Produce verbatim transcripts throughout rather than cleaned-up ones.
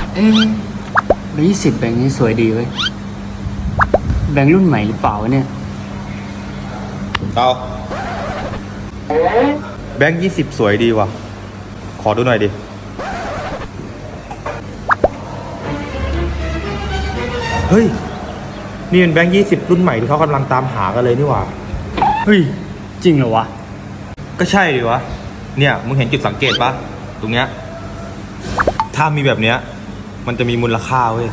เอ๊ะแบงค์ยี่สิบแบงค์นี้สวยดีเว้ยแบงค์รุ่นใหม่หรือเปล่าวะเนี่ยเตาแบงค์ยี่สิบสวยดีว่ะ ขอดูหน่อยดิ เฮ้ย นี่เป็นแบงค์ยี่สิบรุ่นใหม่ที่เขากำลังตามหากันเลยนี่หว่าเฮ้ยจริงเหรอวะก็ใช่ดิวะ เนี่ยมึงเห็นจุดสังเกตปะตรงเนี้ย ถ้ามีแบบเนี้ย มันจะมีมูลค่าเว้ย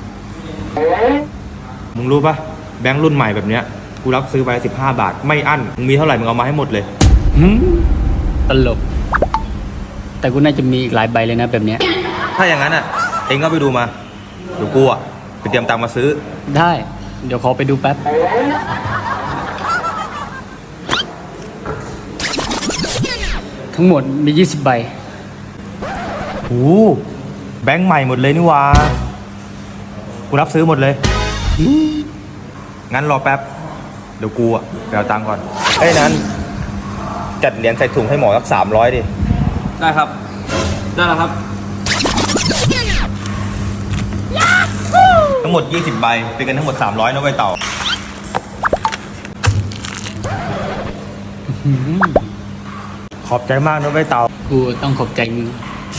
มึงรู้ปะแบงค์รุ่นใหม่แบบเนี้ย กูรับซื้อไปสิบห้าบาท ไม่อั้น มึงมีเท่าไหร่มึงเอามาให้หมดเลยหืมตลก แต่กูน่าจะมีอีกหลายใบเลยนะแบบเนี้ยถ้าอย่างนั้นอ่ะ เองก็ไปดูมา เดี๋ยวกูอ่ะไปเตรียมตังค์มาซื้อได้ เดี๋ยวขอไปดูแป๊บ ทั้งหมดมียี่สิบใบโอ้แบงค์ใหม่หมดเลยนี่หว่า กูรับซื้อหมดเลย งั้นรอแป๊บ เดี๋ยวกูอ่ะไปเอาตังค์ก่อนเอ้ยนั้น จัดเหรียญใส่ถุงให้หมอสักสามร้อยดิได้ครับ ได้แล้วครับทั้งหมดยี่สิบใบ เป็นกันทั้งหมดสามร้อยนะเว้ยเต่า ขอบใจมากนะเว้ยเต่ากูต้องขอบใจมึง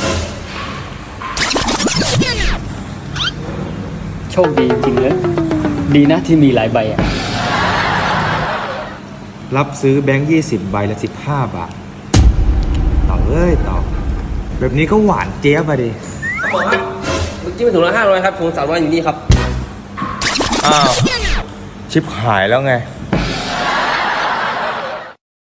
โชคดีจริงเลย ดีนะที่มีหลายใบอ่ะรับซื้อแบงค์ยี่สิบใบละสิบห้าบาท เต่าเอ้ยเต่า แบบนี้ก็หวานเจี๊ยบอะดิหมอครับเมื่อกี้เป็นถุงละห้าร้อยครับถุงสามร้อยอยู่นี่ครับอ้าว ชิบหายแล้วไง